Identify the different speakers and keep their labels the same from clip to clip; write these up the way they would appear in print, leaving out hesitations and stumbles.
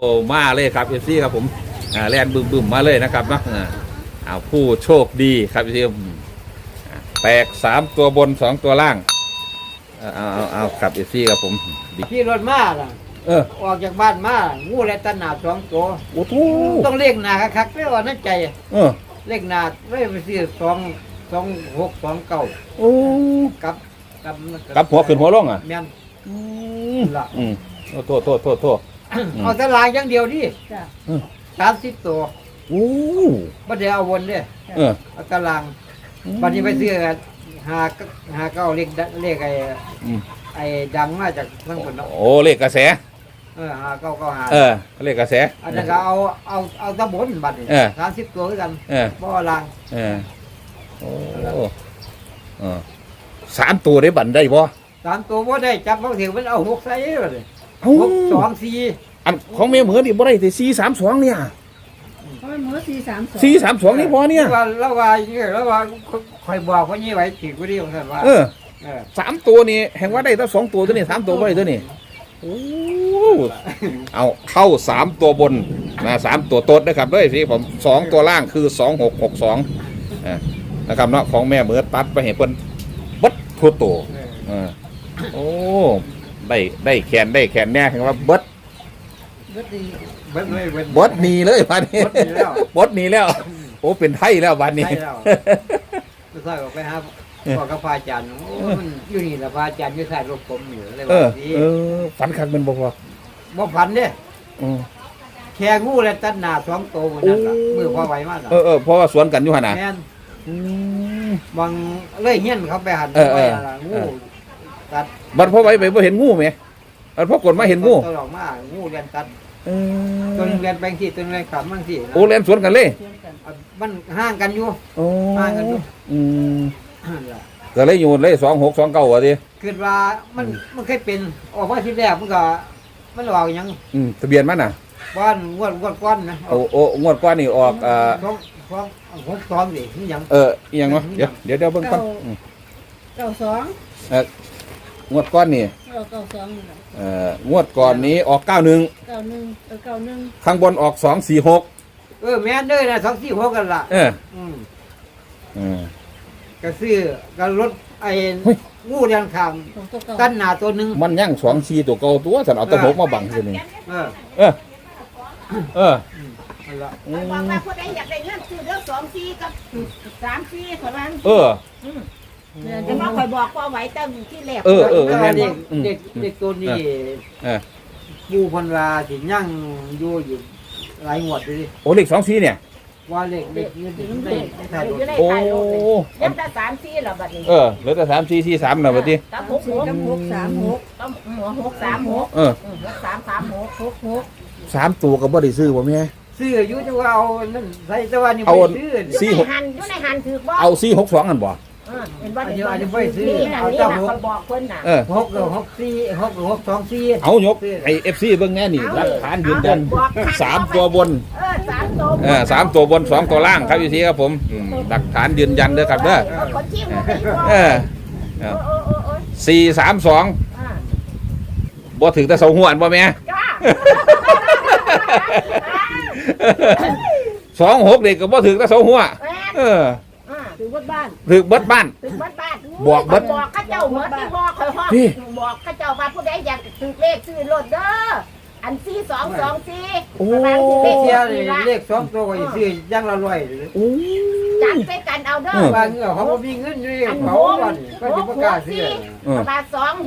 Speaker 1: โอ้มาเลยครับเอฟซีครับผมแลนบึมมาเลยนะครับเนาะผู้โชคดีครับเอฟซีแตก3 ตัวบน2 ตัวล่างเอาครับเอฟซีครับผม
Speaker 2: ขี่รถมาล่ะออกจากบ้านมางูและตะหนา2 ตัว
Speaker 1: โอ้โห
Speaker 2: ต้องเรียกหนาคักๆไม่ว่านั่นใจเรียกหนาไม่ไปซื้อ2629
Speaker 1: โอ้กับหัวขึ้นหัวลงอ่ะ
Speaker 2: แม่น
Speaker 1: ล่ะโทษ
Speaker 2: เอาตลาดอย่างเดียวดิ30 ตัว
Speaker 1: โอ้
Speaker 2: บ่ได้เอาวนเด้เอาตารางบัดนี้ไปซื้อ5 9เลขไอ้ดังมาจากเมืองพุ่นเนาะ
Speaker 1: โอ้เลขกระแส
Speaker 2: 5995
Speaker 1: เลขกระแส
Speaker 2: อันนั้นก็เอาตะบนบัดนี้30 ตัวคือกันบ่ล่าง
Speaker 1: โอ้3 ตัวได้บันได้บ่
Speaker 2: 3 ตัวบ่ได้จับบางทีมันเอา6ใส่บัดนี้6 2 4
Speaker 1: อันของแม่เหมือนี่บ่ได้แต่432เนี่ย
Speaker 3: เพราะมันเหมือ432
Speaker 1: นี่พอเนี่ย
Speaker 2: แล้วว่าคอยบอกว่านี่ไว้ถือกูดีของท่านว่า
Speaker 1: 3 ตัวนี่แห่งว่าได้ตั้ง2 ตัวตัวนี้3 ตัวบ่ได้ตัวนี้โอ้เอาเข้า3 ตัวบนนะ3 ตัวต้นนะครับด้วยสิผม2 ตัวล่างคือ2662นะครับเนาะของแม่เหมือตัดไปให้เพิ่นบัดทั่วโตโอ้ได้แขนแน่เห็นว่าเบิดหนีเลยวันนี้บดหนีแล้วโอ้เป็นไทยแล้ววันนี้
Speaker 2: ไม่ใช่ก็ไปหาบอกกับพระอาจารย์โอ้มันอยู่นี่แหละพระอาจารย์อยู่ใส่รถผมอยู่เลยว่าดี
Speaker 1: ฝันคักมันบอกว่า
Speaker 2: บ่ฝันเด้แค่งูและตัดหน้า2 ตัวนั่นล่ะมือพอไหวมาก
Speaker 1: เพราะว่าสวนกันอยู่หั่นน่ะ
Speaker 2: แม่นบางเลยเฮียนเขาไปหันไปล่ะงูตัด
Speaker 1: บัดพอไหวไปบ่เห็นงูมั้ยบัดพอกดมาเห็นงู
Speaker 2: ตัวออกมางูเรียนตัดตัวนึงเรียนแบงค์ที่ตัวนึงเรียนขำบางที่
Speaker 1: โอ้เรียนสวนกันเลย
Speaker 2: มันห่างกันอยู่ห่างกันอยู่
Speaker 1: ก็เลยอยู่เลย2629ว่าดิ
Speaker 2: คือว่ามันเคยเป็นออกมาทีแรกมันก็มันออกยัง
Speaker 1: ทะเบียนมันน่ะ
Speaker 2: บ้านงวดก้อนนะ
Speaker 1: โอ้งวดก้อนนี่ออก
Speaker 2: 6 2ดินี่ยัง
Speaker 1: อีหยังวะเดี๋ยวเบิ่งก่อน
Speaker 3: 92
Speaker 1: งวดก้อนนี่งวดก่อนนี้ออก91ข้างบนออก246
Speaker 2: แม่นเด้อนะ246กันล่ะก็ซื้อก็รถไอ้งูเรียนข้างตั้นหน้าตัวนึง
Speaker 1: มันยัง24ตัวเก่าตัวฉันเอาตะบกมาบังคือนี่
Speaker 3: นั่นล่ะบอกว่าผู้ใดอยากได้เงินซื้อเด้อ24กับ34เท่านั้นจะมาคอยบอกว่าไว้ตั้งที่แรก
Speaker 2: เด็กตัวนี้ปูพันราสิย่างอยู่หลายงวดเลย
Speaker 1: โอ้เลข24เนี่ย
Speaker 2: ว่าเลข
Speaker 3: อยู่ในท้ายรถเหลือแต่34แล้วบัดนี้
Speaker 1: เหลือแต่3443น่ะบัดนี้
Speaker 3: กับ66กับ636กับ63663366
Speaker 1: 3 ตัวก็บ่ได้ซื้อบ่แม่
Speaker 2: ซื้ออยู่แต่ว่าเอานั่นใส่แต่ว่านี่
Speaker 1: บ่
Speaker 3: ซื้ออยู่ในหันถือบ่
Speaker 1: เอา462อันบ่
Speaker 3: เห็นบ่
Speaker 2: เดี๋ยวอาจจะไปซื้อ
Speaker 3: เอาเจ้าบอกเพิ่นน่ะ
Speaker 2: 664
Speaker 1: เอายกไอ้ FC เบิ่งแน่นี่หลักฐานยืนยัน3 ตัวบน3 ตัวบน2 ตัวล่างครับพี่ทีครับผมหลักฐานยืนยันเด้อครับเด้อ432บ่ถึงแต่เสาหัวบ่แม่26นี่ก็บ่ถึงแต่เสาหัว
Speaker 3: ถือเบิดบ้าน
Speaker 1: บอกเบิด
Speaker 3: ข้าเจ้าเหมือนที่บอกคอยห้องบอกข้าเจ้าว่าผู้ใดอยากซื้อเลขซื้อรถเด้ออัน4224
Speaker 1: โอ้
Speaker 2: เลข2 ตัวก็ซื้อย่างละ100
Speaker 3: จัดใส่กันเอาเด้
Speaker 2: อบางเขาบ่มีเงินอยู่เขาก่อนก็สิบ่กล้าซื้อ
Speaker 3: ประมาณ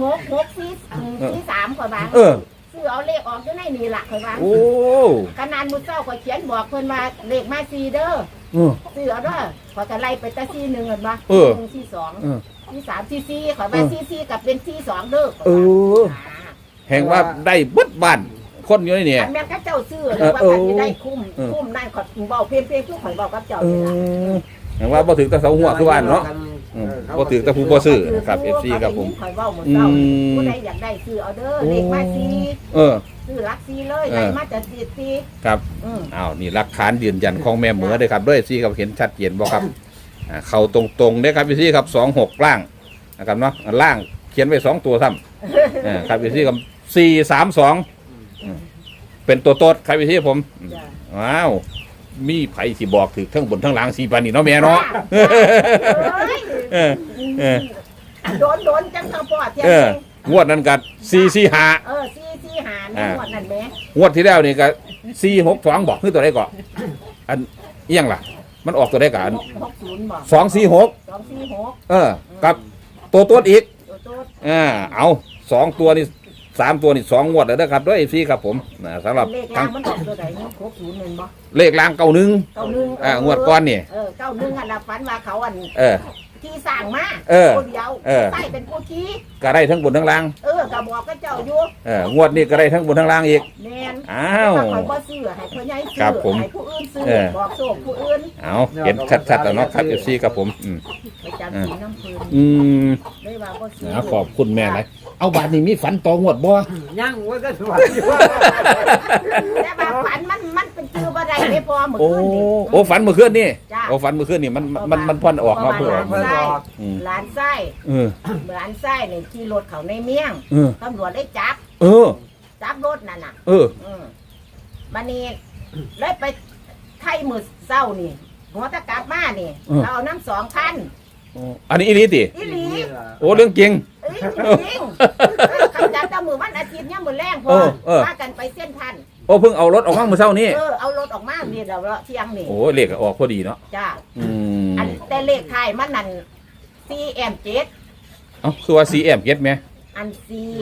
Speaker 3: 266443กว่าบาทซื้อเอาเลขออกอยู่ในนี่ล่ะข่อยว่าขนาดมื้อเช้าข่อยเขียนบอกเพิ่นว่าเลขมา4เด้อซื้อเอาเด้อขอยก็ไล่ไปแต่4 1กันบ่4 2 4 3 4 4ขอยว่า4 4กับเป็น4 2เด้อ
Speaker 1: แห่งว่าได้เบิดบ้านคนอยู่นี่
Speaker 3: แม่นก็เจ้าซื้อแล้วว่าจะได้คุ้มนั่นขอยเว้าเพียงๆทุกข่อยบอกกับเจ้า
Speaker 1: แห่งว่าบ่ถึงแต่เสาหัวคือว่าเนาะบ่ถึงแต่ผู้บ่ซื้อครับ FC ครับผม
Speaker 3: ข่อยเว้ามื้อเช้าผู้ใดอยากได้ซื้อเอาเด้อเลขมา4ซื้อหลัก4เลยได้มาจาก4
Speaker 1: ครับนี่หลักฐานยืนยันของแม่เหมือเด้อครับด้วยซี่ครับเห็นชัดเจนบ่ครับเข้าตรงๆเด้อครับพี่ซี่ครับ26ล่างนะครับเนาะล่างเขียนไว้2 ตัวซ้ำครับพี่ซี่ครับ432 เป็นตัวโต๊ดครับพี่ผม
Speaker 3: จ้ะ
Speaker 1: ว้าวมีไผสิบอกถือทั้งบนทั้งล่างสีปานนี่เนาะแม่เนาะ
Speaker 3: เอ้ย
Speaker 1: เออเออ
Speaker 3: โดนจังทางพ่อเที่ยง
Speaker 1: เอองวดนั้นกั445
Speaker 3: ซี่หาในหมวดนั่นแหม่
Speaker 1: งวดที่แล้วนี่ก็462บอกคือตัวใดก่อนอันเอียงล่ะ มันออกตัวใดก่อน
Speaker 3: 60บอก
Speaker 1: 246
Speaker 3: 246
Speaker 1: เออกับตัวโต๊ดอีก
Speaker 3: ตัวโต๊ด
Speaker 1: เอา2ตัวนี่3ตัวนี่2งวดแล้วนะครับด้วย FC ครับผมสำหรับ
Speaker 3: เลข
Speaker 1: ทั้
Speaker 3: ล่าง งมันออกตัวไหนเนาะ60นั่นบ่
Speaker 1: เลขล่าง91
Speaker 3: 91
Speaker 1: งวดก้อนนี่
Speaker 3: 91อันละฝันว่าเขาอัน
Speaker 1: เออ
Speaker 3: ที่สร้างมา
Speaker 1: เออ
Speaker 3: คนเดียว
Speaker 1: เออ
Speaker 3: ใต้เป็นผู้ชี้
Speaker 1: ก็ได้ทั้งบนทั้งล่าง
Speaker 3: ก็บอกกับเจ้าอยู่
Speaker 1: งวดนี้ก็ได้ทั้งบนทั้งล่างอีก
Speaker 3: แม่น
Speaker 1: อ้าว
Speaker 3: แต่ว่าข่อยบ่ซื้อให้พ่อใหญ่ซื้
Speaker 1: ครับผม
Speaker 3: ให้ผู้อื่นซื้อ
Speaker 1: เออ
Speaker 3: บอกโชคผู้อื่น
Speaker 1: เอาเห็นชัดๆแล้วเนาะครับ FC ครับผม
Speaker 3: ไปจำสีน้ำพื้น
Speaker 1: อืม
Speaker 3: ได้ว่าบ่ซื้
Speaker 1: ขอบคุณแม่หลายเอาบาทนี้มีฝันต่องวดบ่
Speaker 2: ยังว่าก็สวยอยู่
Speaker 3: แต่ว่าฝันมันเป็นชื่อบ่ได้ไม่พอเหมือน
Speaker 1: โอ้
Speaker 3: คืนนี่
Speaker 1: โอ้ฝันเมื่อคืนนี่
Speaker 3: จ้ะ
Speaker 1: โอ้ฝันเมื่อคืนนี่มันพ่อนออกมาเพื่อออก
Speaker 2: เพิ่นบอก
Speaker 3: หลานไส้
Speaker 1: เออ
Speaker 3: หลานไส้นี่ขี่รถเขาในเมียง
Speaker 1: เออ
Speaker 3: ตำรวจได้จับ
Speaker 1: เออ
Speaker 3: จับรถนั่นน่ะ
Speaker 1: เออ
Speaker 3: บันนี้เลยไปไทยมือเศร้านี่หัวตะกลับมานี่ เราเอาน้ำ2,000
Speaker 1: อันนี้อีหลีติ
Speaker 3: อีหลี
Speaker 1: โอ้เรื่องจริง
Speaker 3: เอ้ยจริงคำจับเจ้ามือวันอาทิตย์เนี่ยมือแรงพอ พากันไปเส้นทัน
Speaker 1: โอ้เพิ่งเอารถออกมาเมื่อเช้านี้
Speaker 3: เอารถออกมานี่เราเที่ยงนี่
Speaker 1: โอ้เลขก็ออกพอดีเนาะ
Speaker 3: จ้า
Speaker 1: อืม
Speaker 3: อันแต่เลขไทายมันนั่น4M7
Speaker 1: เอ้าคือว่า CM เก็ตไหม
Speaker 3: อัน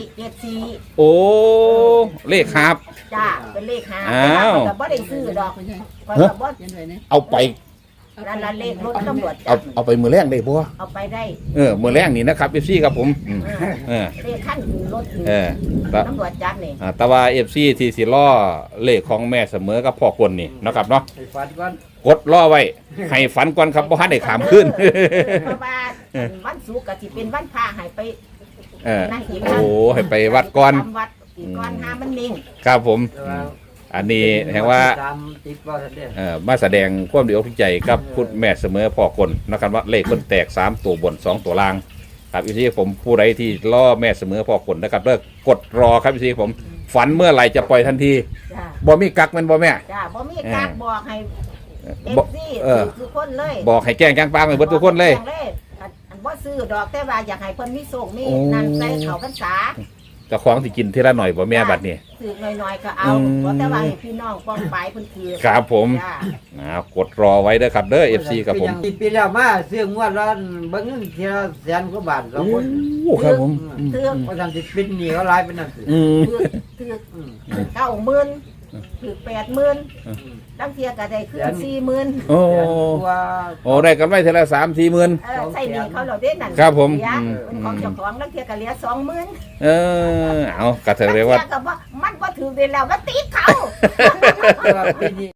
Speaker 3: 474
Speaker 1: โอ้เลขครับ
Speaker 3: จ้าเป็นเลขหา
Speaker 1: อ้าว
Speaker 3: แต่บ่ได้ซื้อดอกก็บ่
Speaker 1: เอาไป
Speaker 3: นั่นละเลขรถตำรวจ
Speaker 1: เอาไปมือแรงได้บ่
Speaker 3: เอาไปได้
Speaker 1: มือแรงนี่นะครับ FC ครับผม
Speaker 3: เลขขั้นรถ
Speaker 1: แต่
Speaker 3: ตำรวจจับนี่
Speaker 1: แต่ว่า FC ที่สิล้อเลขของแม่เสมอกับพ่อคนนี่นะครับเนาะ
Speaker 2: ให้ฝันก่อน
Speaker 1: กดล่อไว้ ให้ฝันก่อนครับบ่ทันได้ขามขึ้น
Speaker 3: เพราะว่าวันศุกร์ก็สิเป็นวันพระให้ไป นั่นอีก
Speaker 1: โอ้ให้ไปวัดก่อน
Speaker 3: ทำวัดอีกก่อนหามันนิ่ง
Speaker 1: ครับผม
Speaker 2: แต่ว่า
Speaker 1: อันนี้แห่งว่า
Speaker 2: ตามติดว่าท่านเด้อ
Speaker 1: มาแสดงความดีอกทุกใจกับคุณแม่เสมอพ่อคนนะครับว่าเลขคนแตก3ตัวบน2ตัวล่างครับอีที่ผมผู้ใดที่ล่อแม่เสมอพ่อคนนะครับเลิกกดรอครับอีที่ผมฝันเมื่อไหร่จะปล่อยทันที
Speaker 3: จ้า
Speaker 1: บ่มีกักแมันบ่แม่
Speaker 3: จ้าบ่มีการบอกให้เอฟ
Speaker 1: บอก
Speaker 3: ซี
Speaker 1: เออ
Speaker 3: ทุกคนเลย
Speaker 1: บอกให้แจ้งจ้างปางไปเบิดทุกคนเลย
Speaker 3: บอกให้แจ้งอันบ่ซื้อดอกแต่ว่าอยากให้เพิ่นมีโชคมี
Speaker 1: โอ้
Speaker 3: นั่นใส่เขาพรรษา
Speaker 1: เจะคล้าของที่กินทีละหน่อยบ่แม่บัดนี้
Speaker 3: ซื้อหน่อยๆก็เอา
Speaker 1: อืม
Speaker 3: เพราะแต่ว่าให้พี่น้องป้องปลายเพิ่นคือ
Speaker 1: ครับผม
Speaker 3: จ้าก
Speaker 1: ดรอไว้เด้อครับเด้อ FC ครับผม
Speaker 2: ปีแล้วมาซื้องวดละเบิ่งเงินทีละแสนกว่าบาทสองคน
Speaker 1: ครับผม
Speaker 3: ถือ
Speaker 2: เพราะทำสิปิดหนี้เขาหลายเป็นนั่นสิ
Speaker 1: อืม
Speaker 3: ถือ90,000ถือ80,000ตั้งเทียก็ได้ขึ้น40,000
Speaker 1: โอ้
Speaker 2: แสนกว่า
Speaker 1: โอ้ได้กันไว้ทีละ3-4หมื่น
Speaker 3: ใส่หนี้เขาเราได้นั่น
Speaker 1: ครับผม
Speaker 3: เหลือ
Speaker 1: อืม
Speaker 3: เป็นของเจ้าของตั้งเทียก็เหลือ20,000
Speaker 1: เอากระเถอะเรียกว่า
Speaker 3: มันก็ถือเวลาก็ตีเขา
Speaker 2: แต่ว่าปีนี้